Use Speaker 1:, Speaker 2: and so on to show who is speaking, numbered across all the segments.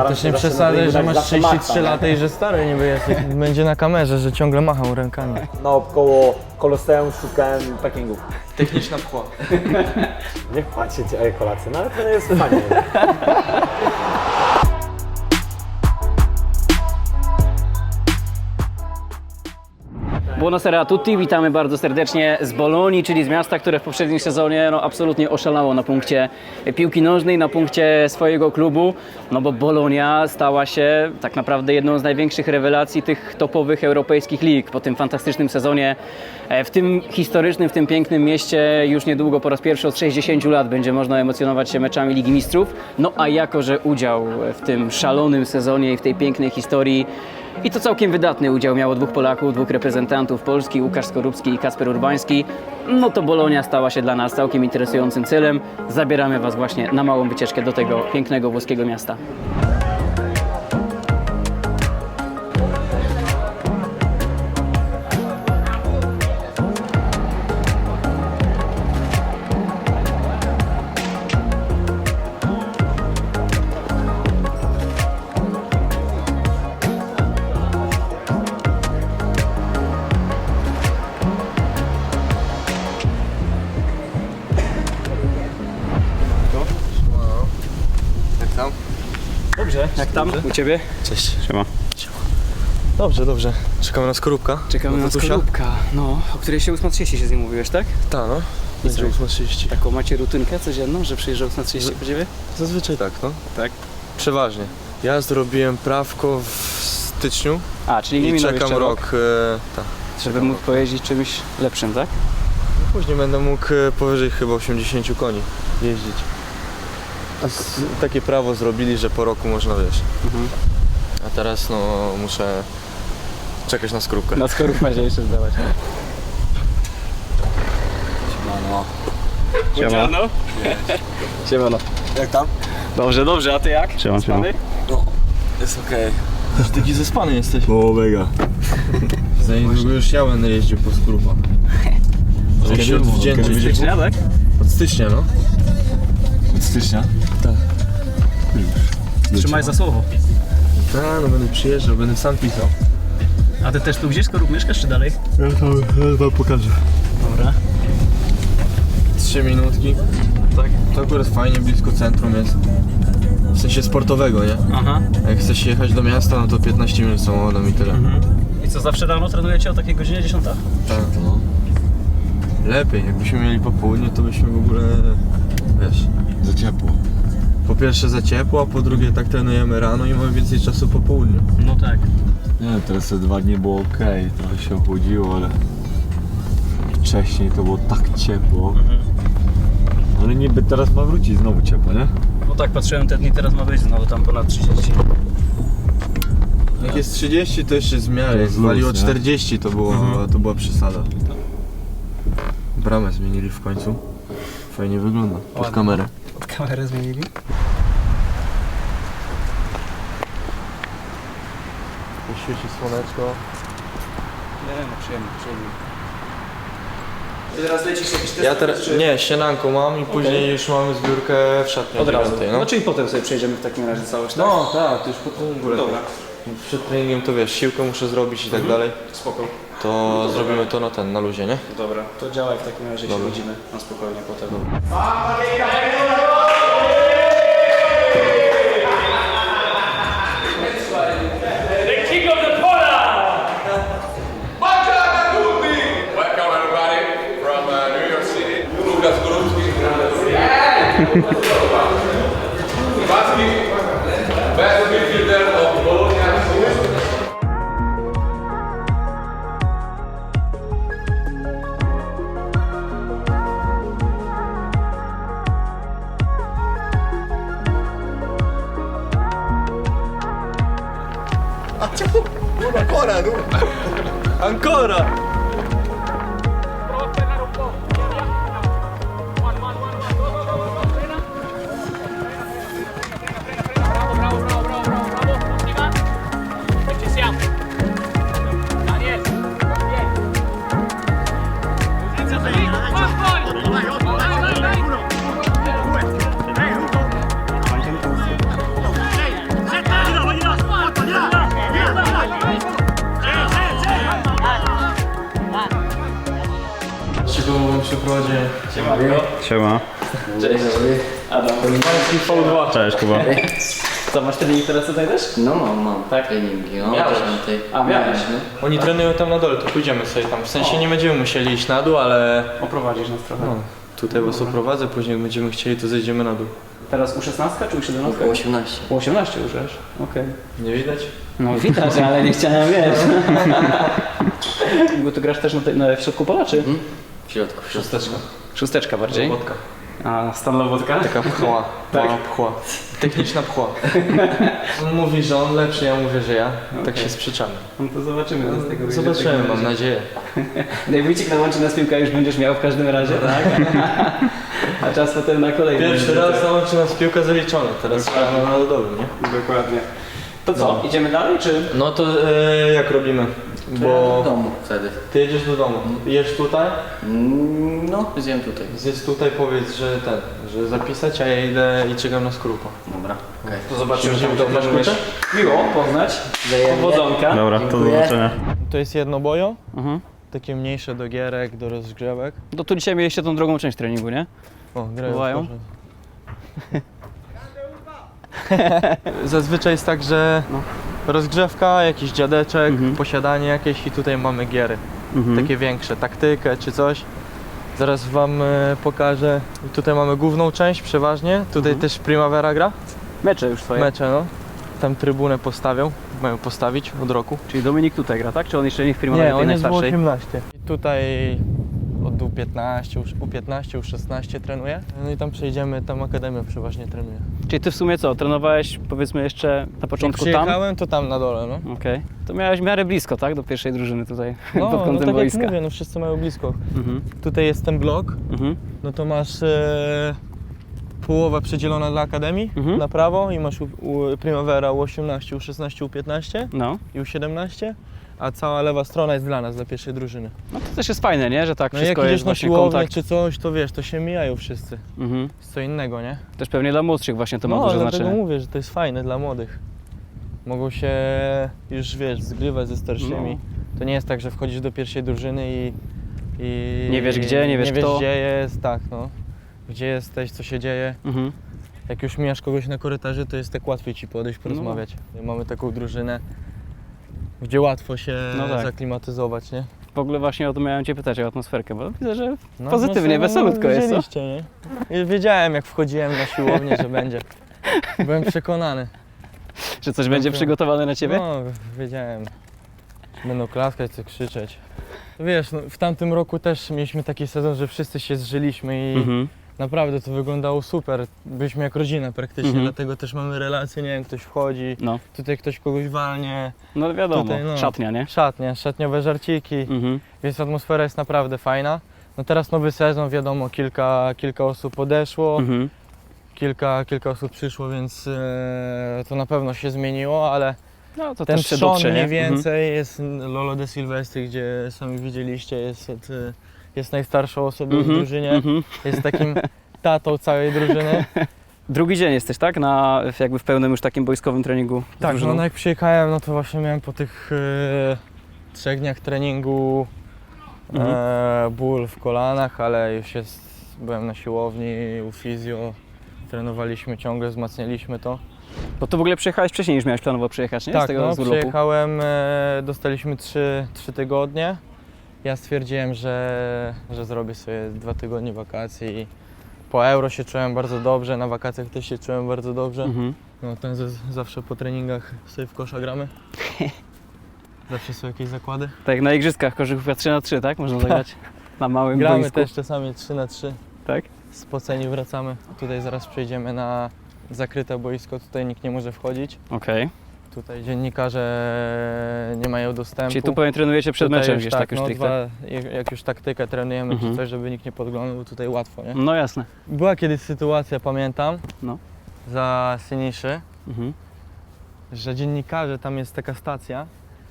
Speaker 1: Też nie przesadzaj, że masz 33 lata i że stary niby jest. Będzie na kamerze, że ciągle machał rękami.
Speaker 2: Naokoło Koloseum szukałem parkingów.
Speaker 1: Techniczna pchła.
Speaker 2: Nie płacie cię kolację, no ale to jest fajnie.
Speaker 3: Buonasera a tutti, witamy bardzo serdecznie z Bolonii, czyli z miasta, które w poprzednim sezonie absolutnie oszalało na punkcie piłki nożnej, na punkcie swojego klubu, no bo Bolonia stała się tak naprawdę jedną z największych rewelacji tych topowych europejskich lig po tym fantastycznym sezonie. W tym historycznym, w tym pięknym mieście już niedługo po raz pierwszy od 60 lat będzie można emocjonować się meczami Ligi Mistrzów, no a jako że udział w tym szalonym sezonie i w tej pięknej historii i to całkiem wydatny udział miało dwóch Polaków, dwóch reprezentantów Polski, Łukasz Skorupski i Kacper Urbański. No to Bolonia stała się dla nas całkiem interesującym celem. Zabieramy Was właśnie na małą wycieczkę do tego pięknego włoskiego miasta. Dobrze, jak tam u Ciebie?
Speaker 1: Cześć.
Speaker 3: Siema.
Speaker 1: Dobrze, dobrze. Czekamy na Skorupka.
Speaker 3: Czekamy na
Speaker 1: Tatusia?
Speaker 3: Skorupka, no, o której się 8.30 się z nim mówiłeś, tak?
Speaker 1: Tak, no. Będzie 8.30.
Speaker 3: Taką macie rutynkę codzienną, że przyjeżdża 8.30 po Ciebie?
Speaker 1: Zazwyczaj tak, no.
Speaker 3: Tak.
Speaker 1: Przeważnie. Ja zrobiłem prawko w styczniu
Speaker 3: A, czyli nie
Speaker 1: i
Speaker 3: minął
Speaker 1: czekam
Speaker 3: jeszcze
Speaker 1: rok. Tak.
Speaker 3: żeby móc pojeździć czymś lepszym, tak?
Speaker 1: Później będę mógł powyżej chyba 80 koni jeździć. Takie prawo zrobili, że po roku można, wiesz. A teraz no muszę czekać na Skorupkę.
Speaker 3: Na Skorupkę się jeszcze zdawać. Siemano. Siemano.
Speaker 1: Jak tam?
Speaker 3: Dobrze, dobrze, a Ty jak?
Speaker 4: Siema, siema.
Speaker 1: No, jest okej. Już taki zespany jesteś.
Speaker 4: O, mega.
Speaker 1: Za niedługo już ja będę jeździł po Skorupach. Żeby się odwdzięczyć.
Speaker 3: Stycznia, tak?
Speaker 1: Od stycznia, no.
Speaker 4: Od stycznia?
Speaker 1: Tak.
Speaker 3: Trzymaj za słowo.
Speaker 1: Tak, no będę przyjeżdżał, będę sam pisał.
Speaker 3: A Ty też tu gdzieś Skorup mieszkasz, czy dalej?
Speaker 4: Ja wam pokażę.
Speaker 3: Dobra.
Speaker 1: 3 minutki. Tak. To akurat fajnie, blisko centrum jest. W sensie sportowego, nie?
Speaker 3: Aha.
Speaker 1: Jak chcesz jechać do miasta, no to 15 minut samochodem i tyle.
Speaker 3: I co, zawsze rano trenujecie o takiej godzinie 10?
Speaker 1: Tak, no. Lepiej, jakbyśmy mieli popołudnie, to byśmy w ogóle, wiesz,
Speaker 4: Za ciepło.
Speaker 1: po pierwsze za ciepło, a po drugie tak trenujemy rano i mamy więcej czasu po południu.
Speaker 3: No tak.
Speaker 4: Nie, teraz te 2 dni było ok, trochę się ochłodziło, ale wcześniej to było tak ciepło. Ale niby teraz ma wrócić znowu ciepło, nie?
Speaker 3: No tak, patrzyłem te dni, teraz ma być znowu tam ponad 30.
Speaker 1: Jak jest 30, to jeszcze jest w miarę, jak
Speaker 4: jest luz,
Speaker 1: waliło
Speaker 4: nie?
Speaker 1: 40, to była przesada. Bramę zmienili w końcu. Fajnie wygląda, pod
Speaker 3: Ładnie.
Speaker 1: kamerę.
Speaker 3: Od kamerę zmienili?
Speaker 1: Świeci słoneczko.
Speaker 3: Nie, no przyjemnie, przyjemnie. Ty teraz lecisz jakiś test?
Speaker 1: Ja teraz, nie, śniadanko mam i później już mamy zbiórkę w szatni
Speaker 3: Od razu.
Speaker 1: 9,
Speaker 3: No
Speaker 1: no.
Speaker 3: czyli potem sobie przejdziemy w takim razie całość, tak?
Speaker 1: No tak, to już po treningu.
Speaker 3: Dobra.
Speaker 1: Przed treningiem to wiesz, siłkę muszę zrobić i tak dalej.
Speaker 3: Spoko.
Speaker 1: To zrobimy to na luzie, nie?
Speaker 3: Dobra, to działaj w takim razie, się
Speaker 1: Dobra.
Speaker 3: widzimy na spokojnie potem.
Speaker 5: Welcome everybody from New York City. Łukasz Skorupski. Best midfielder of Bologna.
Speaker 1: Ancora!
Speaker 3: Siema. Cześć. Adam. Cześć, Kuba. Co, masz trening teraz tutaj też?
Speaker 6: No mam
Speaker 3: Tak?
Speaker 6: treningi, no
Speaker 1: Miałeś.
Speaker 6: 10.
Speaker 3: A, miałeś.
Speaker 1: Oni trenują tam na dole, to pójdziemy sobie tam. W sensie nie będziemy musieli iść na dół, ale
Speaker 3: Oprowadzisz nas trochę.
Speaker 1: no, tutaj was oprowadzę, później jak będziemy chcieli, to zejdziemy na dół.
Speaker 3: Teraz U16 czy U17?
Speaker 6: Około 18.
Speaker 3: U18 już, wiesz? Okej.
Speaker 1: Nie widać?
Speaker 3: No widać, ale nie chciałem, wiesz. Bo ty grasz też w środku pola, czy?
Speaker 6: W środku.
Speaker 1: Szósteczka.
Speaker 3: Szósteczka bardziej.
Speaker 1: Wodka.
Speaker 3: A stan Lobotka?
Speaker 1: Taka pchła.
Speaker 3: Tak?
Speaker 1: Pchła. Techniczna pchła. On mówi, że on lepszy, ja mówię, że ja. Tak się sprzeczamy.
Speaker 3: No to zobaczymy. co z tego wyjdzie.
Speaker 1: Zobaczymy, mam nadzieję.
Speaker 3: Najwycik nałączy nas piłka już będziesz miał w każdym razie, tak? A czas potem na kolejny.
Speaker 1: Pierwszy raz załączy nas piłka zaliczona, teraz trzeba na narodowym, nie?
Speaker 3: Dokładnie. To co, idziemy dalej, czy?
Speaker 1: No to jak robimy?
Speaker 6: W
Speaker 1: Bo
Speaker 6: domu wtedy.
Speaker 1: ty jedziesz do domu, jesz tutaj,
Speaker 6: No, zjem tutaj.
Speaker 1: zjedz tutaj, powiedz, że że zapisać, a ja idę i czekam na skrupa.
Speaker 6: Dobra, okej.
Speaker 3: To zobaczymy,
Speaker 1: Siedzimy
Speaker 3: tam
Speaker 1: tam na
Speaker 3: trenujesz.
Speaker 1: szkółce?
Speaker 3: Miło poznać. Powodzonka.
Speaker 4: Dobra, to do zobaczenia.
Speaker 1: To jest jednobojo,
Speaker 3: Mhm.
Speaker 1: takie mniejsze do gierek, do rozgrzewek.
Speaker 3: No tu dzisiaj mieliście tą drugą część treningu, nie?
Speaker 1: O, grają.
Speaker 3: Bywają?
Speaker 1: Zazwyczaj jest tak, że rozgrzewka, jakiś dziadeczek, posiadanie jakieś i tutaj mamy giery. Takie większe, taktykę czy coś. Zaraz wam pokażę. Tutaj mamy główną część przeważnie. Tutaj też Primavera gra.
Speaker 3: Mecze już twoje.
Speaker 1: Mecze, no. Tam trybunę postawią. Mają postawić od roku.
Speaker 3: Czyli Dominik tutaj gra, tak? Czy on jeszcze nie w Primavera
Speaker 1: Nie,
Speaker 3: tej
Speaker 1: on jest w
Speaker 3: najstarszej?
Speaker 1: 18. I tutaj od U15, U15, U16 trenuje. No i tam przejdziemy, tam Akademia przeważnie trenuje.
Speaker 3: Czyli ty w sumie co, trenowałeś powiedzmy jeszcze na
Speaker 1: Jak
Speaker 3: początku tam?
Speaker 1: przyjechałem, to tam na dole, no.
Speaker 3: Okej. To miałeś w miarę blisko, tak? Do pierwszej drużyny tutaj,
Speaker 1: No,
Speaker 3: pod
Speaker 1: no
Speaker 3: kątem
Speaker 1: tak
Speaker 3: boiska.
Speaker 1: jak mówię, no wszyscy mają blisko.
Speaker 3: Mhm.
Speaker 1: Tutaj jest ten blok,
Speaker 3: Mhm.
Speaker 1: no to masz połowa przydzielona dla Akademii na prawo i masz Primavera U18, U16, U15
Speaker 3: No.
Speaker 1: i U17, a cała lewa strona jest dla nas, dla pierwszej drużyny.
Speaker 3: No to też jest fajne, nie? Że tak
Speaker 1: No i jak
Speaker 3: wszystko jest
Speaker 1: idziesz na
Speaker 3: właśnie
Speaker 1: siłownię
Speaker 3: kontakt.
Speaker 1: czy coś, to wiesz, to się mijają wszyscy.
Speaker 3: Mhm.
Speaker 1: Jest co innego, nie?
Speaker 3: Też pewnie dla młodszych właśnie to ma
Speaker 1: No,
Speaker 3: duże
Speaker 1: dlatego
Speaker 3: znaczenie.
Speaker 1: mówię, że to jest fajne dla młodych. Mogą się już, wiesz, zgrywać ze starszymi. To nie jest tak, że wchodzisz do pierwszej drużyny i
Speaker 3: Nie wiesz gdzie, nie wiesz kto.
Speaker 1: gdzie jest, tak no. Gdzie jesteś, co się dzieje.
Speaker 3: Mhm.
Speaker 1: Jak już mijasz kogoś na korytarzu, to jest tak łatwiej ci podejść, porozmawiać. Mamy taką drużynę, gdzie łatwo się
Speaker 3: No tak.
Speaker 1: zaklimatyzować, nie?
Speaker 3: W ogóle właśnie o to miałem cię pytać, o atmosferkę, bo widzę, że
Speaker 1: No,
Speaker 3: pozytywnie,
Speaker 1: no,
Speaker 3: weselutko jest, co?
Speaker 1: widzieliście, nie? I wiedziałem, jak wchodziłem na siłownię, że będzie. Byłem przekonany.
Speaker 3: Że coś będzie
Speaker 1: Dobra.
Speaker 3: przygotowane na ciebie?
Speaker 1: No, wiedziałem. Będą klaskać, co krzyczeć. Wiesz, no, w tamtym roku też mieliśmy taki sezon, że wszyscy się zżyliśmy i
Speaker 3: Mhm.
Speaker 1: naprawdę to wyglądało super. Byliśmy jak rodzina praktycznie, dlatego też mamy relacje, nie wiem, ktoś wchodzi,
Speaker 3: No.
Speaker 1: tutaj ktoś kogoś walnie.
Speaker 3: No wiadomo,
Speaker 1: Tutaj, no.
Speaker 3: szatnia, nie?
Speaker 1: Szatniowe żarciki,
Speaker 3: Mhm.
Speaker 1: więc atmosfera jest naprawdę fajna. No teraz nowy sezon, wiadomo, kilka osób odeszło,
Speaker 3: Mhm.
Speaker 1: kilka osób przyszło, więc to na pewno się zmieniło, ale
Speaker 3: No to
Speaker 1: ten
Speaker 3: też się
Speaker 1: trzon
Speaker 3: dotrze,
Speaker 1: mniej
Speaker 3: nie?
Speaker 1: więcej jest Lolo de Silvestri, gdzie sami widzieliście, jest najstarszą osobą w drużynie, jest takim tatą całej drużyny.
Speaker 3: Drugi dzień jesteś, tak? Jakby w pełnym już takim boiskowym treningu z
Speaker 1: Tak,
Speaker 3: drużyną?
Speaker 1: no jak przyjechałem, no to właśnie miałem po tych 3 dniach treningu ból w kolanach, ale już byłem na siłowni, u fizjo, trenowaliśmy ciągle, wzmacnialiśmy to.
Speaker 3: Bo to w ogóle przyjechałeś wcześniej niż miałeś planowo przyjechać, nie? Z
Speaker 1: Tak,
Speaker 3: tego
Speaker 1: no
Speaker 3: z urlopu.
Speaker 1: przyjechałem, dostaliśmy 3 tygodnie. Ja stwierdziłem, że zrobię sobie 2 tygodnie wakacji i po Euro się czułem bardzo dobrze, na wakacjach też się czułem bardzo dobrze.
Speaker 3: Mhm.
Speaker 1: No ten zawsze po treningach sobie w kosza gramy. Zawsze są jakieś zakłady.
Speaker 3: Tak jak na igrzyskach koszykówka 3x3, tak? Można zagrać na małym
Speaker 1: Gramy
Speaker 3: boisku.
Speaker 1: też czasami 3x3.
Speaker 3: Tak?
Speaker 1: Spoceni wracamy. Tutaj zaraz przejdziemy na zakryte boisko, tutaj nikt nie może wchodzić.
Speaker 3: Okej.
Speaker 1: Tutaj dziennikarze nie mają dostępu.
Speaker 3: Czyli tu pewnie trenujecie przed
Speaker 1: Tutaj
Speaker 3: meczem
Speaker 1: już
Speaker 3: gdzieś tak już
Speaker 1: no,
Speaker 3: stricte?
Speaker 1: jak już taktykę trenujemy czy coś, żeby nikt nie podglądał, tutaj łatwo, nie?
Speaker 3: No jasne.
Speaker 1: Była kiedyś sytuacja, pamiętam,
Speaker 3: No.
Speaker 1: za Siniszy,
Speaker 3: Mhm.
Speaker 1: że dziennikarze, tam jest taka stacja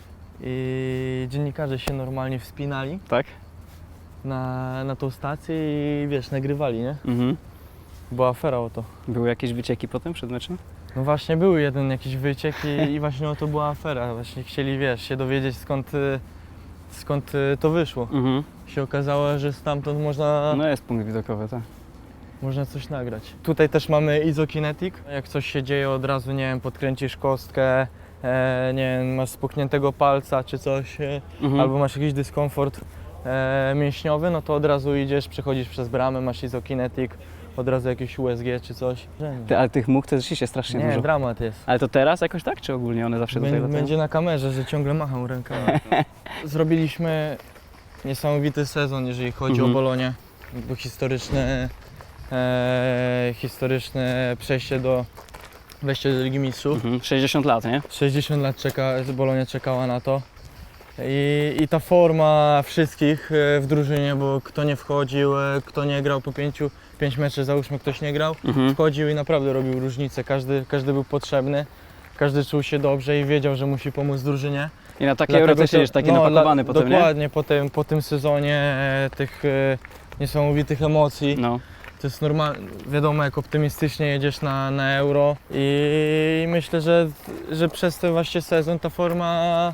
Speaker 1: i dziennikarze się normalnie wspinali
Speaker 3: Tak?
Speaker 1: na tą stację i wiesz, nagrywali, nie?
Speaker 3: Mhm.
Speaker 1: Była afera o to.
Speaker 3: Były jakieś wycieki potem przed meczem?
Speaker 1: No właśnie był jeden jakiś wyciek i właśnie o to była afera. Właśnie chcieli, wiesz, się dowiedzieć skąd skąd to wyszło. Się okazało, że stamtąd można,
Speaker 3: No jest punkt widokowy, tak.
Speaker 1: można coś nagrać. Tutaj też mamy Izokinetic. Jak coś się dzieje od razu, nie wiem, podkręcisz kostkę, nie wiem, masz spuchniętego palca czy coś, albo masz jakiś dyskomfort mięśniowy, no to od razu idziesz, przechodzisz przez bramę, masz Izokinetic, od razu jakieś USG czy coś.
Speaker 3: Ale tych much to rzeczywiście strasznie
Speaker 1: Nie,
Speaker 3: dużo.
Speaker 1: dramat jest.
Speaker 3: Ale to teraz jakoś tak, czy ogólnie one zawsze tutaj latają?
Speaker 1: Będzie na kamerze, że ciągle macham rękami. Zrobiliśmy niesamowity sezon, jeżeli chodzi o Bolonię. Bo historyczne przejście wejście do Ligi Mistrzów.
Speaker 3: 60 lat, nie?
Speaker 1: 60 lat Bolonia czekała na to. I ta forma wszystkich w drużynie, bo kto nie wchodził, kto nie grał po 5 meczów, załóżmy ktoś nie grał, wchodził i naprawdę robił różnicę. Każdy był potrzebny, każdy czuł się dobrze i wiedział, że musi pomóc drużynie.
Speaker 3: I na takie Euro też jedziesz taki napakowany potem, nie?
Speaker 1: Dokładnie, po tym sezonie tych niesamowitych emocji.
Speaker 3: No.
Speaker 1: To jest normalne, wiadomo, jak optymistycznie jedziesz na Euro i myślę, że przez ten właśnie sezon ta forma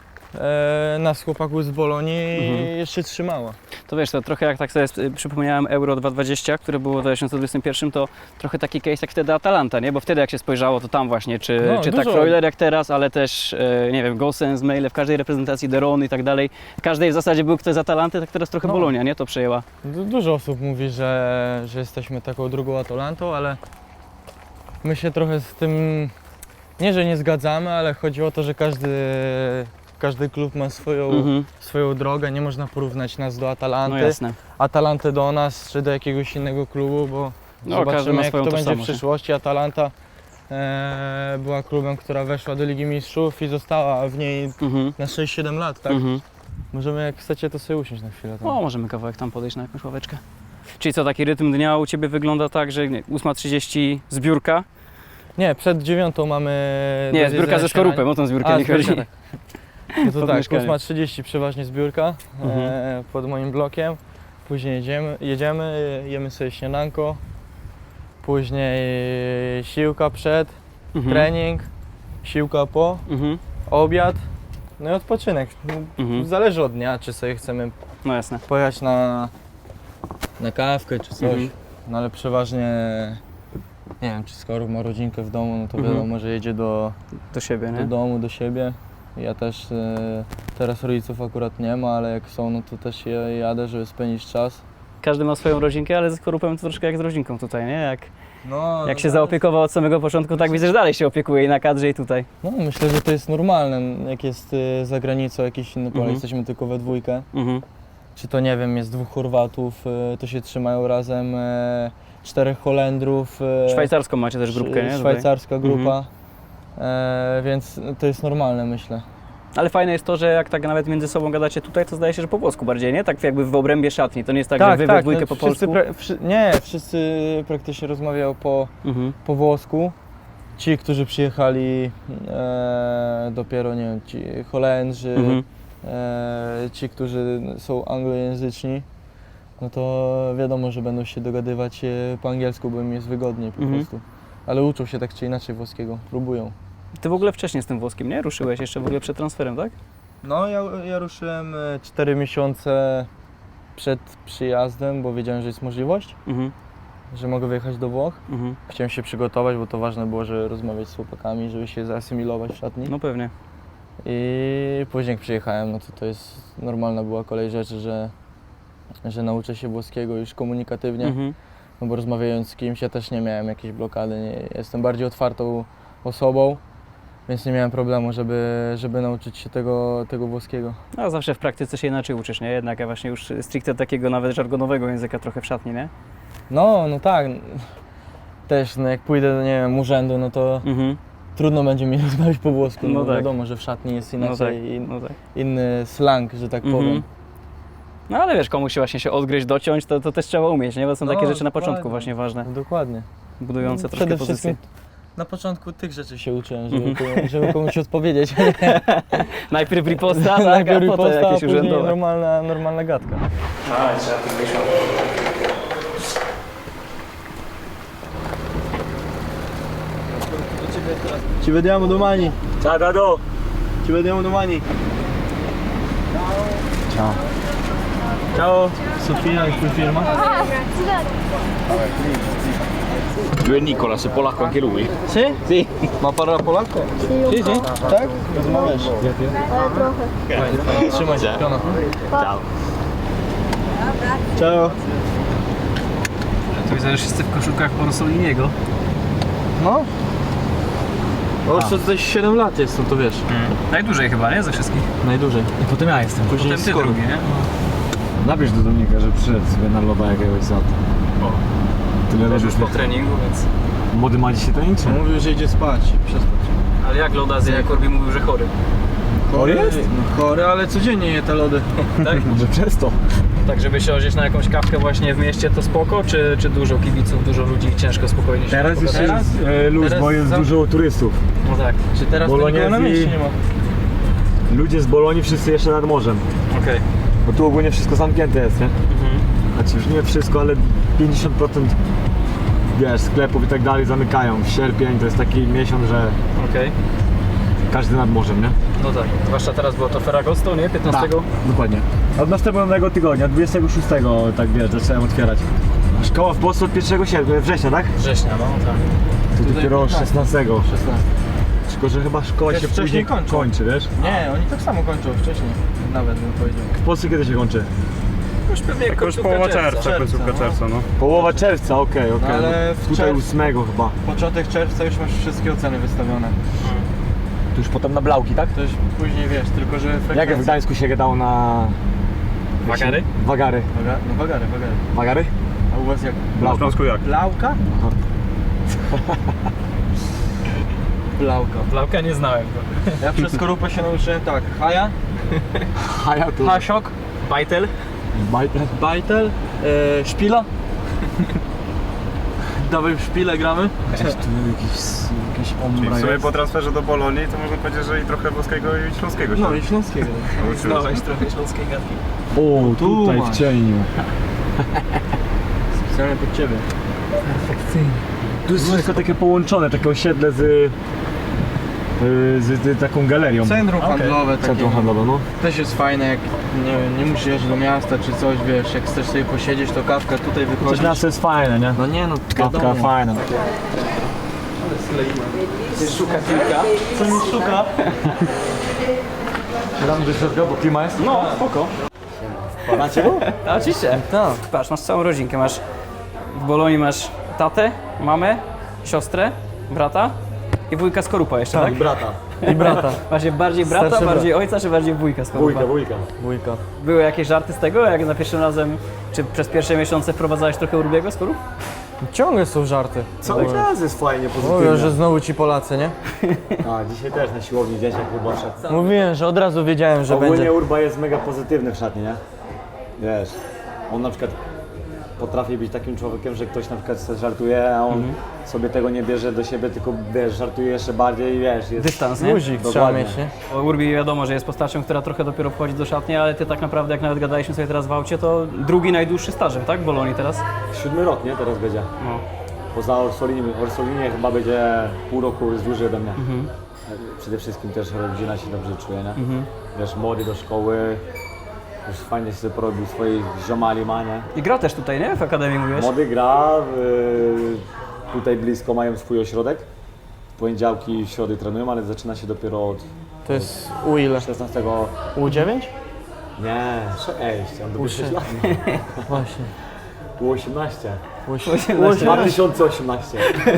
Speaker 1: nas chłopaków z Bolonii jeszcze trzymała.
Speaker 3: To wiesz, to trochę jak tak sobie przypomniałem Euro 2020, które było w 2021, to trochę taki case jak wtedy Atalanta, nie? Bo wtedy jak się spojrzało, to tam właśnie, czy tak
Speaker 1: dużo.
Speaker 3: Freuler jak teraz, ale też, nie wiem, Gosens, Meile, w każdej reprezentacji Deron i tak dalej. W każdej w zasadzie był ktoś z Atalanty, tak teraz trochę Bolonia, nie? To przejęła.
Speaker 1: Dużo osób mówi, że jesteśmy taką drugą Atalantą, ale my się trochę z tym, nie że nie zgadzamy, ale chodzi o to, że każdy klub ma swoją drogę, nie można porównać nas do Atalanty,
Speaker 3: No jasne.
Speaker 1: Atalanty do nas czy do jakiegoś innego klubu, bo
Speaker 3: No, każdy
Speaker 1: zobaczymy
Speaker 3: ma
Speaker 1: jak
Speaker 3: swoją
Speaker 1: to będzie w
Speaker 3: tożsamość, nie?
Speaker 1: przyszłości. Atalanta była klubem, która weszła do Ligi Mistrzów i została w niej na 6-7 lat, tak? Możemy, jak chcecie, to sobie usiąść na chwilę. Tam.
Speaker 3: O, możemy kawałek tam podejść na jakąś ławeczkę. Czyli co, taki rytm dnia u Ciebie wygląda tak, że 8:30 zbiórka?
Speaker 1: Nie, przed 9 mamy...
Speaker 3: Nie,
Speaker 1: do
Speaker 3: zbiórka
Speaker 1: zjedzenia
Speaker 3: ze skorupem, o tą zbiórkę nie chodzi.
Speaker 1: zbiórka, tak. No to
Speaker 3: Pod
Speaker 1: tak,
Speaker 3: mieszkaniem.
Speaker 1: 8:30 przeważnie zbiórka pod moim blokiem. Później jedziemy, jemy sobie śniadanko. Później siłka przed, trening, siłka po, obiad. No i odpoczynek. Zależy od dnia, czy sobie chcemy
Speaker 3: No jasne.
Speaker 1: pojechać na kawkę czy coś. No ale przeważnie, nie wiem, czy Skorup ma rodzinkę w domu, no to wiadomo, że jedzie do
Speaker 3: Do siebie, nie?
Speaker 1: domu, do siebie. Ja też teraz rodziców akurat nie ma, ale jak są, no to też jadę, żeby spędzić czas.
Speaker 3: Każdy ma swoją rodzinkę, ale z Skorupem to troszkę jak z rodzinką tutaj, nie?
Speaker 1: No,
Speaker 3: Jak się zaopiekował od samego początku, tak widzę, że dalej się opiekuje i na kadrze i tutaj.
Speaker 1: No myślę, że to jest normalne, jak jest za granicą jakiś inny Polak, jesteśmy tylko we dwójkę. Czy to, nie wiem, jest 2 Chorwatów, to się trzymają razem, 4 Holendrów.
Speaker 3: Szwajcarską macie też grupkę, nie? Tutaj.
Speaker 1: Szwajcarska grupa, więc to jest normalne, myślę.
Speaker 3: Ale fajne jest to, że jak tak nawet między sobą gadacie tutaj, to zdaje się, że po polsku bardziej, nie? Tak jakby w obrębie szatni, to nie jest tak, że wy we dwójkę po polsku.
Speaker 1: Wszyscy praktycznie rozmawiają po włosku. Ci, którzy przyjechali dopiero, nie wiem, ci Holendrzy, ci, którzy są anglojęzyczni, no to wiadomo, że będą się dogadywać po angielsku, bo im jest wygodniej po prostu. Ale uczą się tak czy inaczej włoskiego, próbują.
Speaker 3: Ty w ogóle wcześniej z tym włoskim, nie? Ruszyłeś jeszcze w ogóle przed transferem, tak?
Speaker 1: No, ja ruszyłem 4 miesiące przed przyjazdem, bo wiedziałem, że jest możliwość, że mogę wyjechać do Włoch. Chciałem się przygotować, bo to ważne było, żeby rozmawiać z chłopakami, żeby się zaasymilować w szatni.
Speaker 3: No pewnie.
Speaker 1: I później jak przyjechałem, no to jest normalna była kolej rzeczy, że nauczę się włoskiego już komunikatywnie, no bo rozmawiając z kimś, ja też nie miałem jakiejś blokady, jestem bardziej otwartą osobą, więc nie miałem problemu, żeby nauczyć się tego włoskiego.
Speaker 3: A zawsze w praktyce się inaczej uczysz, nie? Jednak ja właśnie już stricte takiego nawet żargonowego języka trochę w szatni, nie?
Speaker 1: No tak. Też no jak pójdę do, nie wiem, urzędu, no to trudno będzie mi rozmawiać po włosku, no
Speaker 3: tak.
Speaker 1: wiadomo, że w szatni jest inaczej,
Speaker 3: tak.
Speaker 1: inny slang, że tak powiem.
Speaker 3: No ale wiesz, komuś się właśnie się odgryźć, dociąć, to też trzeba umieć, nie? Bo są takie rzeczy na początku
Speaker 1: dokładnie.
Speaker 3: właśnie ważne,
Speaker 1: Dokładnie.
Speaker 3: budujące troszkę
Speaker 1: Przede
Speaker 3: pozycję.
Speaker 1: wszystkim na początku tych rzeczy się uczyłem, żeby komuś odpowiedzieć.
Speaker 3: Najpierw riposta, tak, a
Speaker 1: Najpierw
Speaker 3: potem
Speaker 1: riposta,
Speaker 3: jakieś
Speaker 1: a później
Speaker 3: urzędowe.
Speaker 1: normalna gadka. Ci vediamo domani.
Speaker 2: Ciao Dado!
Speaker 1: Ci vediamo domani. Ciao, Sofia e qui firma.
Speaker 4: Lui è Nicola, se polacco anche lui.
Speaker 1: Sì? Sì. Ma parla polacco? Sì, sì. Tak? Rozmawiasz?
Speaker 7: Trochę.
Speaker 1: Fajnie. Trzymaj się. Piona.
Speaker 4: Ciao.
Speaker 1: Ciao.
Speaker 3: Tu widzę, że wszyscy w koszulkach Orsoliniego.
Speaker 1: No. Już tutaj 7 lat jest, no to wiesz.
Speaker 3: Najdłużej chyba, nie? Ze wszystkich.
Speaker 1: Najdłużej.
Speaker 4: I potem ja jestem.
Speaker 1: Później
Speaker 3: Potem ty
Speaker 1: skoro.
Speaker 3: drugi, nie?
Speaker 4: Napisz do Dominika, że przyszedł sobie na loda jakiegoś za to. Tyle
Speaker 3: Też
Speaker 4: lodów.
Speaker 3: już po treningu, więc...
Speaker 4: Młody ma dzisiaj tańczy?
Speaker 1: Mówił, że idzie spać i przespać.
Speaker 3: Ale jak loda zje, jak Korbi mówił, że chory.
Speaker 1: Chory jest? No chory, ale codziennie je te lody.
Speaker 3: Tak?
Speaker 4: Może przez to.
Speaker 3: Tak, żeby się odzieć na jakąś kawkę właśnie w mieście, to spoko? Czy dużo kibiców, dużo ludzi i ciężko spokojnie się
Speaker 4: Teraz jeszcze
Speaker 3: pogadać?
Speaker 4: jest luz,
Speaker 1: Teraz
Speaker 4: bo jest
Speaker 1: za-
Speaker 4: dużo turystów.
Speaker 3: No tak,
Speaker 1: Czy teraz to nikogo na
Speaker 4: Boloniezji-
Speaker 1: mieście nie ma?
Speaker 4: Ludzie z Bolonii wszyscy jeszcze nad morzem.
Speaker 3: okej.
Speaker 4: Bo tu ogólnie wszystko zamknięte jest, nie? Znaczy już nie wszystko, ale 50% wiesz, sklepów i tak dalej zamykają. Sierpień to jest taki miesiąc, że
Speaker 3: Okej.
Speaker 4: każdy nad morzem, nie?
Speaker 3: No tak, zwłaszcza teraz było to Ferragosto, nie? 15?
Speaker 4: Dokładnie. Od następnego tygodnia, 26 tak wiesz, zacząłem otwierać. Szkoła w Polsce od 1 września, tak?
Speaker 3: Września, no tak.
Speaker 4: To dopiero 16.
Speaker 1: 16.
Speaker 4: Tylko, że chyba szkoła
Speaker 1: Też
Speaker 4: się
Speaker 1: wcześniej
Speaker 4: później
Speaker 1: kończą.
Speaker 4: kończy, wiesz?
Speaker 1: Nie, oni tak samo kończą wcześniej. Nawet bym powiedział.
Speaker 4: W Polsce kiedy się kończy?
Speaker 3: Już pewnie już połowa czerwca.
Speaker 1: Końcówka czerwca,
Speaker 4: no. Połowa czerwca, okej.
Speaker 1: No, ale w
Speaker 4: Tutaj
Speaker 1: czerwcu-
Speaker 4: 8 chyba.
Speaker 1: Początek czerwca już masz wszystkie oceny wystawione.
Speaker 4: To już potem na Blauki, tak?
Speaker 1: To już później wiesz, tylko że
Speaker 4: Jak
Speaker 1: frekwencja...
Speaker 4: w Gdańsku się gadało na...
Speaker 3: Wagary?
Speaker 4: Wagary.
Speaker 1: No wagary.
Speaker 4: Wagary?
Speaker 1: A u was jak?
Speaker 4: Blauka.
Speaker 2: jak?
Speaker 1: Blauka? Blauka.
Speaker 3: Blauka nie znałem go.
Speaker 1: Ja przez skorupę się nauczyłem tak. Haja,
Speaker 4: A ja tu...
Speaker 1: hasiok,
Speaker 3: Bajtel?
Speaker 4: Bajter.
Speaker 1: bajtel, szpila. Dawaj w szpilę gramy.
Speaker 4: Gdzieś tu jakiś ombra
Speaker 2: W sumie
Speaker 4: jest.
Speaker 2: po transferze do Bolonii to można powiedzieć, że i trochę włoskiego i śląskiego się
Speaker 1: No i śląskiego.
Speaker 3: Znałeś trochę śląskiej gadki.
Speaker 4: O, tutaj
Speaker 1: masz.
Speaker 4: w cieniu.
Speaker 1: Specjalnie pod ciebie.
Speaker 4: Tu jest wszystko takie połączone, takie osiedle z taką galerią.
Speaker 1: Centrum handlowe takie.
Speaker 4: Centrum handlowe, no.
Speaker 1: Też jest fajne, jak nie musisz jechać do miasta czy coś, wiesz, jak chcesz sobie posiedzieć, to kawka tutaj
Speaker 4: Coś
Speaker 1: wychodzisz.
Speaker 4: miasto jest fajne, nie?
Speaker 1: No nie no,
Speaker 4: Kawka
Speaker 1: wiadomo.
Speaker 4: fajna.
Speaker 3: Szuka piłka.
Speaker 1: Co mi szuka?
Speaker 4: Dam do środka, bo klima jest?
Speaker 3: No, spoko.
Speaker 4: Macie?
Speaker 3: A, oczywiście.
Speaker 1: Tak.
Speaker 3: Patrz, masz całą rodzinkę. Masz w Bolonii masz tatę, mamę, siostrę, brata i wujka Skorupa jeszcze, tak?
Speaker 4: Brata.
Speaker 1: I brata.
Speaker 3: Właśnie bardziej brata,
Speaker 1: Starszy brat.
Speaker 3: bardziej ojca, czy bardziej wujka Skorupa?
Speaker 4: Wujka.
Speaker 1: Wujka.
Speaker 3: Były jakieś żarty z tego, jak za pierwszym razem, czy przez pierwsze miesiące wprowadzałeś trochę Urbiego Skorup?
Speaker 1: Ciągle są żarty.
Speaker 4: Cały czas jest fajnie,
Speaker 1: Mówią,
Speaker 4: pozytywnie.
Speaker 1: że znowu ci Polacy, nie?
Speaker 4: A, dzisiaj też na siłowni dzieciak chyba szedł.
Speaker 1: Mówiłem, że od razu wiedziałem, że
Speaker 4: Ogólnie
Speaker 1: będzie.
Speaker 4: Urba jest mega pozytywny w szatni, nie? Wiesz, on na przykład potrafi być takim człowiekiem, że ktoś na przykład sobie żartuje, a on sobie tego nie bierze do siebie, tylko wiesz, żartuje jeszcze bardziej i wiesz, jest...
Speaker 3: Dystans, nie?
Speaker 1: Luzik trzeba
Speaker 4: Dokładnie.
Speaker 1: mieć, nie?
Speaker 3: Bo Urbi wiadomo, że jest postacią, która trochę dopiero wchodzi do szatni, ale ty tak naprawdę, jak nawet gadaliśmy sobie teraz w aucie, to drugi najdłuższy stażem, tak? W Bolonii teraz?
Speaker 4: 7 rok, nie? Teraz będzie.
Speaker 3: No.
Speaker 4: Poza Orsolinie chyba będzie pół roku jest dłużej ode mnie. Przede wszystkim też rodzina się dobrze czuje, nie? Wiesz, młody do szkoły, już fajnie sobie porobił swoich ziomali ma, nie?
Speaker 3: I gra też tutaj, nie? W Akademii mówiłeś?
Speaker 4: Młody gra, tutaj blisko mają swój ośrodek. W poniedziałki i w środy trenują, ale zaczyna się dopiero od
Speaker 1: To jest u ile?
Speaker 4: 16.
Speaker 1: U9?
Speaker 4: Nie, 6, on dopiero 6 lat.
Speaker 1: Właśnie.
Speaker 4: U 18.
Speaker 1: U18.
Speaker 4: 2018.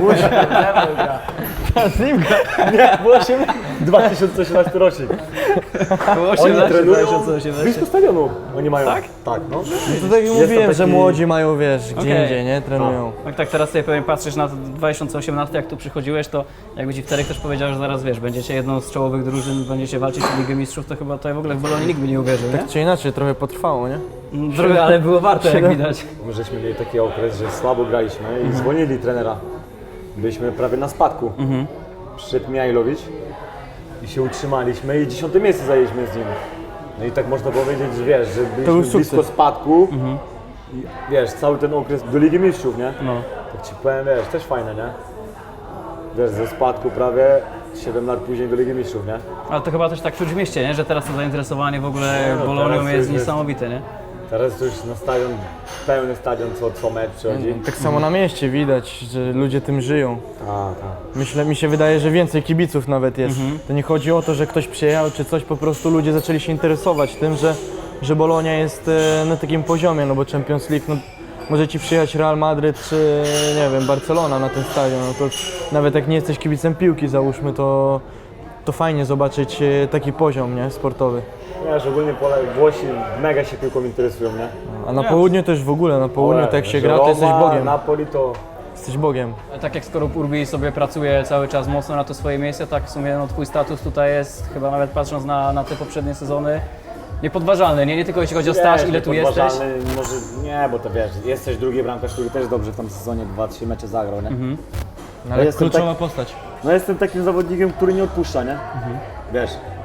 Speaker 1: Zimka.
Speaker 4: Nie, było 2018 rocznik.
Speaker 3: Było
Speaker 4: Oni
Speaker 3: 18,
Speaker 4: trenują
Speaker 3: 2018.
Speaker 4: blisko stadionu. Oni mają.
Speaker 3: Tak?
Speaker 4: Tak, no.
Speaker 1: To tak jak mówiłem,
Speaker 4: tam
Speaker 1: że
Speaker 4: taki-
Speaker 1: młodzi mają, wiesz, gdzie
Speaker 3: Okej.
Speaker 1: indziej, nie? Trenują.
Speaker 3: Jak tak teraz sobie pewnie patrzysz na 2018, jak tu przychodziłeś, to jakby ci wtedy ktoś powiedział, że zaraz wiesz, będziecie jedną z czołowych drużyn, będziecie walczyć o Ligę Mistrzów, to chyba tutaj w ogóle w Bolonii nikt by nie uwierzył, nie?
Speaker 1: Czy inaczej, trochę potrwało, nie?
Speaker 3: Droga, ale było warto, jak widać.
Speaker 4: My żeśmy mieli taki okres, że słabo graliśmy i zwolnili trenera. Byliśmy prawie na spadku. Przyszedł Mijajlowicz i się utrzymaliśmy i 10 miejsce zajęliśmy z nim. No i tak można powiedzieć, że wiesz, że
Speaker 1: był
Speaker 4: byliśmy
Speaker 1: sukces.
Speaker 4: blisko spadku i wiesz, cały ten okres do Ligi Mistrzów, nie?
Speaker 3: No.
Speaker 4: Tak ci powiem, wiesz, też fajne, nie? wiesz, ze spadku prawie 7 lat później do Ligi Mistrzów, nie?
Speaker 3: Ale to chyba też tak czuć w mieście, nie? Że teraz to zainteresowanie w ogóle
Speaker 4: No,
Speaker 3: Bolonią
Speaker 4: teraz
Speaker 3: jest
Speaker 4: jest-
Speaker 3: niesamowite, nie?
Speaker 4: Teraz to już na stadion, pełny stadion co mecz przychodzi.
Speaker 1: Tak samo na mieście widać, że ludzie tym żyją.
Speaker 4: Tak.
Speaker 1: Mi się wydaje, że więcej kibiców nawet jest. To nie chodzi o to, że ktoś przyjechał czy coś, po prostu ludzie zaczęli się interesować tym, że Bolonia jest na takim poziomie, no bo Champions League, no, może ci przyjechać Real Madryt czy nie wiem, Barcelona na ten stadion, no to nawet jak nie jesteś kibicem piłki załóżmy, to fajnie zobaczyć taki poziom, nie, sportowy.
Speaker 4: Wiesz, ogólnie Włosi mega się piłką interesują, nie?
Speaker 1: A na południu też w ogóle, na południu tak jak się gra, to jesteś
Speaker 4: Roma,
Speaker 1: Bogiem.
Speaker 4: Napoli to...
Speaker 1: Jesteś Bogiem.
Speaker 3: Tak jak Skorup Urbi sobie pracuje cały czas mocno na to swoje miejsce, tak w sumie no, twój status tutaj jest, chyba nawet patrząc na te poprzednie sezony, niepodważalny, nie tylko jeśli chodzi o staż,
Speaker 4: Wiesz,
Speaker 3: ile tu jesteś.
Speaker 4: niepodważalny, może nie, bo to wiesz, jesteś drugi bramkarz, który też dobrze w tym sezonie 2-3 mecze zagrał, nie?
Speaker 1: No, ale
Speaker 4: jestem
Speaker 1: kluczowa postać.
Speaker 4: No jestem takim zawodnikiem, który nie odpuszcza, nie? Wiesz,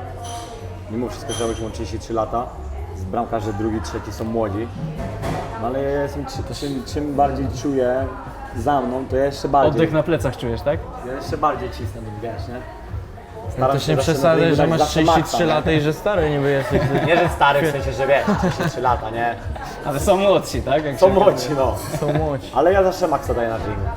Speaker 4: mimo wszystko, że mam 33 lata, z bramkarze drugi, trzeci są młodzi, no ale ja jestem, czym bardziej czuję za mną, to ja jeszcze bardziej,
Speaker 3: Oddech na plecach czujesz, tak?
Speaker 4: ja jeszcze bardziej cisnę, wiesz, nie?
Speaker 1: No
Speaker 4: Staram
Speaker 1: też
Speaker 4: się
Speaker 1: nie
Speaker 4: zawsze na
Speaker 1: przesadzaj,
Speaker 4: treningu
Speaker 1: że
Speaker 4: dać
Speaker 1: masz
Speaker 4: zawsze
Speaker 1: 33
Speaker 4: maksa,
Speaker 1: lata i że stary niby jesteś.
Speaker 4: Nie, że stary, w sensie, że wiesz, 33 lata, nie?
Speaker 3: Ale są młodsi, tak? Jak
Speaker 4: Są
Speaker 3: się
Speaker 4: młodzi, no.
Speaker 1: Są młodzi.
Speaker 4: Ale ja zawsze maksa daję na treningu.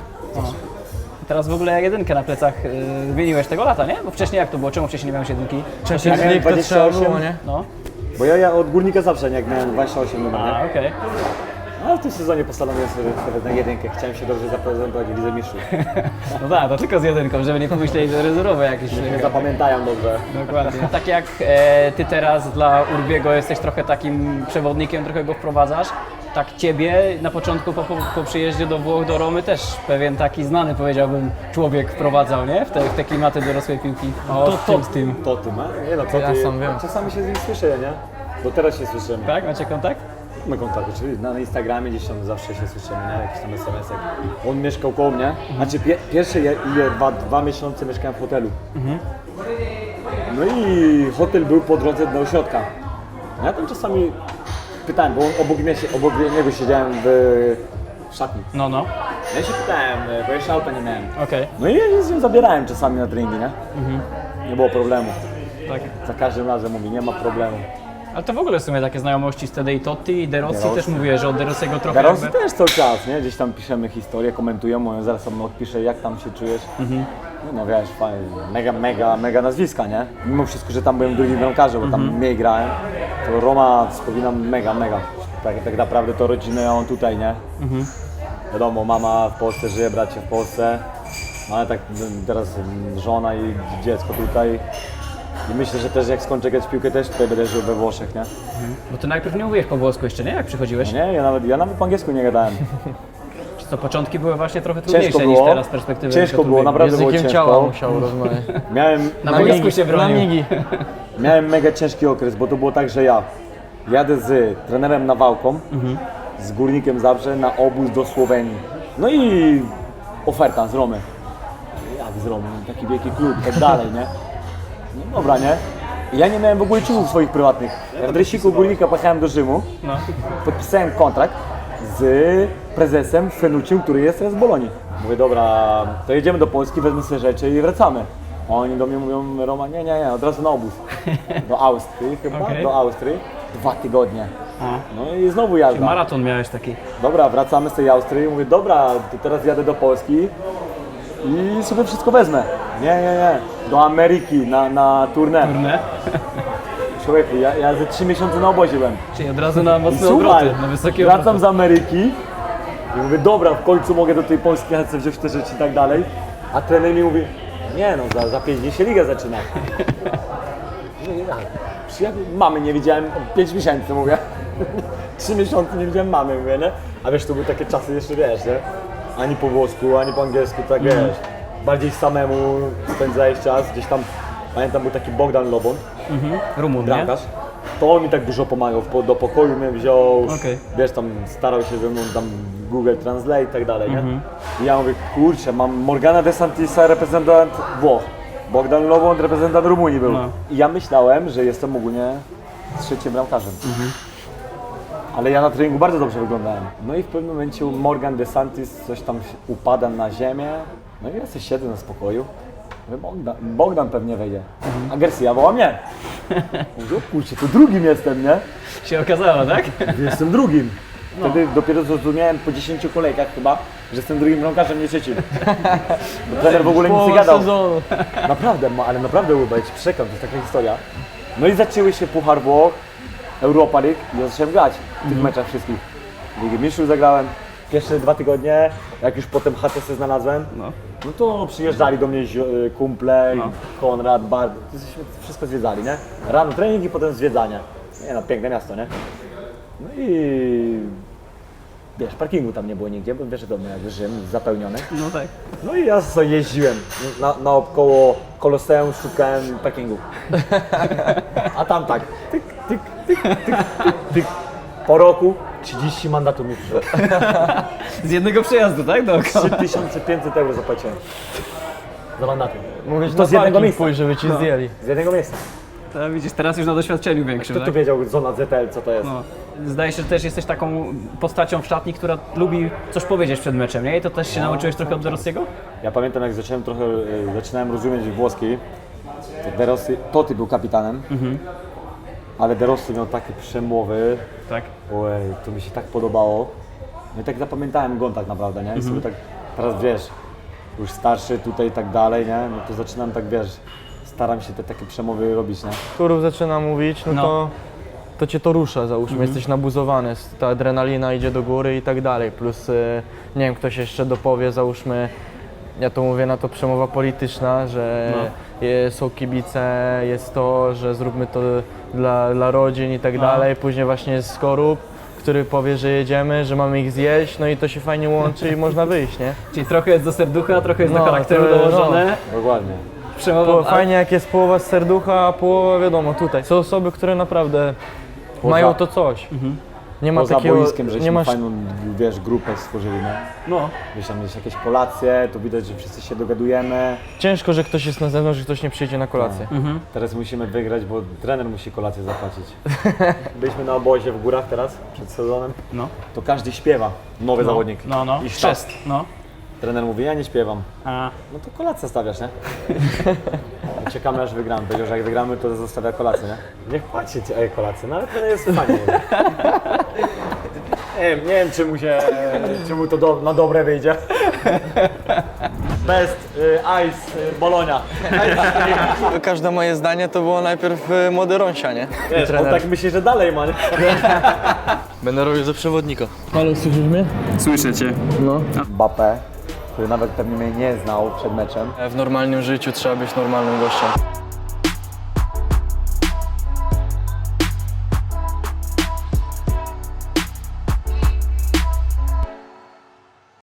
Speaker 3: Teraz w ogóle jedynkę na plecach wymieniłeś tego lata, nie? Bo wcześniej jak to było? Czemu wcześniej nie miałeś jedynki?
Speaker 1: Champions
Speaker 4: miałem
Speaker 1: League to trzeba
Speaker 4: 28.
Speaker 1: było, nie?
Speaker 3: No,
Speaker 4: Bo ja od Górnika zawsze, nie, jak miałem 28 numer, nie?
Speaker 3: a okej.
Speaker 4: Ale w tym sezonie postanowiłem sobie na jedynkę. Chciałem się dobrze zaprezentować w Lidze Mistrzów.
Speaker 3: No tak, to tylko z jedynką, żeby nie pomyśleli, że rezerwowe jakieś.
Speaker 4: Nie zapamiętają dobrze.
Speaker 3: Dokładnie. Tak jak ty teraz dla Urbiego jesteś trochę takim przewodnikiem, trochę go wprowadzasz, tak ciebie na początku po przyjeździe do Włoch, do Romy też pewien taki znany, powiedziałbym, człowiek wprowadzał, nie? W te klimaty dorosłej piłki. O, tym.
Speaker 4: To ty, ma? Nie no, to
Speaker 1: Ja
Speaker 4: ty.
Speaker 1: sam wiem.
Speaker 4: Czasami się z nim słyszę, nie? Bo teraz się słyszymy.
Speaker 3: Tak? Macie kontakt?
Speaker 4: My kontakty, czyli na Instagramie gdzieś tam zawsze się słyszymy, nie? Jakiś tam SMS-ek. On mieszkał koło mnie. Znaczy pierwsze dwa miesiące mieszkałem w hotelu. No i hotel był po drodze do ośrodka. Ja tam czasami pytałem, bo on obok niego siedziałem w szatni.
Speaker 3: No.
Speaker 4: Ja się pytałem, bo jeszcze auta nie miałem.
Speaker 3: Okej.
Speaker 4: No i ja z nim zabierałem czasami na treningi, nie? Nie było problemu.
Speaker 3: Tak.
Speaker 4: Za każdym razem mówi, nie ma problemu.
Speaker 3: Ale to w ogóle w sumie takie znajomości z Tedei Totti i De Rossi
Speaker 4: De Rossi.
Speaker 3: też mówiłeś, że od De Rossiego trochę
Speaker 4: Rosji
Speaker 3: jakby...
Speaker 4: też cały czas, nie? Gdzieś tam piszemy historię, komentują, mówią, zaraz sam odpiszę, jak tam się czujesz. No wiesz, fajnie, mega nazwiska, nie? Mimo wszystko, że tam byłem drugim bramkarzem, bo tam mniej grałem, to Roma wspominam mega. Tak naprawdę to rodzinę ja mam tutaj, nie? Wiadomo, mama w Polsce żyje, bracie w Polsce, no ale tak teraz żona i dziecko tutaj. I myślę, że też jak skończę grać w piłkę, też tutaj będę żył we Włoszech, nie?
Speaker 3: Bo ty najpierw nie mówiłeś po włosku jeszcze, nie? Jak przychodziłeś?
Speaker 4: Nie, ja nawet po angielsku nie gadałem.
Speaker 3: Czy to początki były właśnie trochę
Speaker 4: Ciężko
Speaker 3: trudniejsze niż
Speaker 4: było,
Speaker 3: teraz z perspektywy
Speaker 4: ciężko było,
Speaker 3: Urbiego?
Speaker 4: naprawdę było
Speaker 1: Językiem
Speaker 4: ciężko.
Speaker 1: ciała musiał rozmawiać.
Speaker 3: Na boisku się
Speaker 1: Na
Speaker 3: bronił.
Speaker 1: migi.
Speaker 4: Miałem mega ciężki okres, bo to było tak, że ja jadę z trenerem Nawałką, z Górnikiem Zabrze na obóz do Słowenii. No i oferta z Romy. Jak z Romy? Taki wielki klub i tak dalej, nie? No dobra, nie? I ja nie miałem w ogóle ciuchów swoich prywatnych. Ja w dresiku Górnika pojechałem do Rzymu,
Speaker 3: No.
Speaker 4: podpisałem kontrakt z prezesem Fenucim, który jest teraz w Bolonii. Mówię, dobra, to jedziemy do Polski, wezmę sobie rzeczy i wracamy. A oni do mnie mówią, Roma, nie, od razu na obóz. Do Austrii chyba,
Speaker 3: Okej.
Speaker 4: do Austrii. 2 tygodnie.
Speaker 3: A.
Speaker 4: No i znowu jazda.
Speaker 3: Maraton miałeś taki.
Speaker 4: Dobra, wracamy z tej Austrii. Mówię, dobra, to teraz jadę do Polski i sobie wszystko wezmę. Nie. Do Ameryki na tournée.
Speaker 3: Turne.
Speaker 4: Człowieku, ja ze 3 miesiące na obozie byłem.
Speaker 3: Czyli od razu na
Speaker 4: I
Speaker 3: mocne
Speaker 4: słuchaj,
Speaker 3: obroty, na wysokie
Speaker 4: wracam
Speaker 3: obroty.
Speaker 4: z Ameryki i mówię, dobra, w końcu mogę do tej Polski jechać, sobie wziąć te rzeczy i tak dalej. A trener mi mówi, nie no, za 5 dni się liga zaczyna. No i tak, mamy nie widziałem 5 miesięcy, mówię. 3 miesiące nie widziałem mamy, mówię, nie? A wiesz, to były takie czasy jeszcze, wiesz, nie? Ani po włosku, ani po angielsku, tak wiesz. Bardziej samemu spędzałeś czas, gdzieś tam, pamiętam, był taki Bogdan Lobon,
Speaker 3: Rumun, nie?
Speaker 4: bramkarz. To on mi tak dużo pomagał, do pokoju mnie wziął,
Speaker 3: Okej.
Speaker 4: wiesz, tam starał się ze mną tam Google Translate i tak dalej, nie? I ja mówię, kurczę, mam Morgana De Santisa, reprezentant Włoch, Bogdan Lobon, reprezentant Rumunii był.
Speaker 3: No.
Speaker 4: I ja myślałem, że jestem ogólnie trzecim bramkarzem. Ale ja na treningu bardzo dobrze wyglądałem. No i w pewnym momencie Morgan De Santis coś tam upada na ziemię No i ja sobie siedzę na spokoju. Mówię, Bogdan pewnie wejdzie. A Garcia woła mnie. Mówię, o kurczę, to drugim jestem, nie?
Speaker 3: Się okazało, tak?
Speaker 4: Jestem drugim. Wtedy dopiero zrozumiałem po 10 kolejkach chyba, że jestem drugim bramkarzem, nie trzecim. Bo trener w ogóle nic nie gadał.
Speaker 1: sezonu.
Speaker 4: Naprawdę, ale naprawdę Łyba, ja ci przekam, to jest taka historia. No i zaczęły się Puchar Włoch, Europa League i ja zacząłem grać w tych meczach wszystkich. Ligę Mistrzów zagrałem pierwsze 2 tygodnie, jak już potem HTC znalazłem, no to przyjeżdżali do mnie kumple, Konrad, Bart, wszystko zwiedzali, nie? Rano trening i potem zwiedzanie. Nie no, piękne miasto, nie? No i wiesz, parkingu tam nie było nigdzie, bo wiesz, domy jak Rzym, zapełniony.
Speaker 3: No tak.
Speaker 4: No i ja sobie jeździłem naokoło Koloseum, szukałem parkingu. A tam tak, tyk, tyk, tyk, tyk, tyk, tyk. Po roku 30 mandatów mi przyszło.
Speaker 3: Z jednego przejazdu, tak? Dookoła.
Speaker 4: 3500 € zapłaciłem. Za mandaty.
Speaker 1: Mogłeś
Speaker 4: To
Speaker 1: na
Speaker 4: z jednego
Speaker 1: parking
Speaker 4: miejsca.
Speaker 1: pójść, żeby ci zdjęli.
Speaker 4: Z jednego miejsca.
Speaker 3: To widzisz, teraz już na doświadczeniu większym,
Speaker 4: Kto tu
Speaker 3: tak?
Speaker 4: wiedział, zona ZL, co to jest?
Speaker 3: No. Zdaje się, że też jesteś taką postacią w szatni, która lubi coś powiedzieć przed meczem, nie? I to też się nauczyłeś trochę od De Rossiego?
Speaker 4: Ja pamiętam, jak zaczynałem rozumieć włoski, to De Rossi, Totti był kapitanem, ale De Rossi miał takie przemowy,
Speaker 3: Tak.
Speaker 4: ojej, to mi się tak podobało. No i tak zapamiętałem go tak naprawdę, nie? I sobie tak, teraz wiesz, już starszy tutaj i tak dalej, nie? No to zaczynam tak, wiesz, staram się te takie przemowy robić, nie?
Speaker 1: Turów zaczyna mówić, no,
Speaker 3: No.
Speaker 1: to cię to rusza, załóżmy, jesteś nabuzowany, ta adrenalina idzie do góry i tak dalej, plus nie wiem, ktoś jeszcze dopowie, załóżmy, ja to mówię na to przemowa polityczna, że są kibice, jest to, że zróbmy to dla rodzin i tak dalej, później właśnie jest Skorup, który powie, że jedziemy, że mamy ich zjeść, no i to się fajnie łączy i można wyjść, nie?
Speaker 3: Czyli trochę jest do serducha, trochę jest do
Speaker 1: No,
Speaker 3: charakteru
Speaker 1: to-
Speaker 3: dołożone.
Speaker 4: Dokładnie.
Speaker 3: Przemowa,
Speaker 1: Fajnie jak jest połowa z serducha, a połowa wiadomo tutaj. Są osoby, które naprawdę mają to coś. Nie ma
Speaker 4: Poza
Speaker 1: takiego,
Speaker 4: boiskiem, żeśmy
Speaker 1: nie masz,
Speaker 4: fajną, wiesz, grupę stworzyli, nie?
Speaker 3: No.
Speaker 4: Wiesz, tam jest jakieś kolacje, to widać, że wszyscy się dogadujemy.
Speaker 1: ciężko, że ktoś jest na zewnątrz, że ktoś nie przyjdzie na kolację.
Speaker 4: Teraz musimy wygrać, bo trener musi kolację zapłacić. Byliśmy na obozie w górach teraz, przed sezonem.
Speaker 3: No.
Speaker 4: To każdy śpiewa, nowy zawodnik.
Speaker 3: No.
Speaker 4: I sztab.
Speaker 3: Chrzest. No.
Speaker 4: Trener mówi, ja nie śpiewam.
Speaker 3: A,
Speaker 4: No to kolację stawiasz, nie? I czekamy aż wygramy. Powiedział, że jak wygramy, to zostawia kolację, nie? Niech płaci ci kolację, no ale trener jest fajnie. Nie wiem czy mu to na dobre wyjdzie. Best Ice Bologna.
Speaker 1: Każde moje zdanie to było najpierw młody Rąsia, nie?
Speaker 4: Wiesz, on tak myśli, że dalej ma, nie?
Speaker 1: Będę robił za przewodnika.
Speaker 3: słyszę cię.
Speaker 4: Mbappé, który nawet pewnie mnie nie znał przed meczem.
Speaker 1: W normalnym życiu trzeba być normalnym gościem.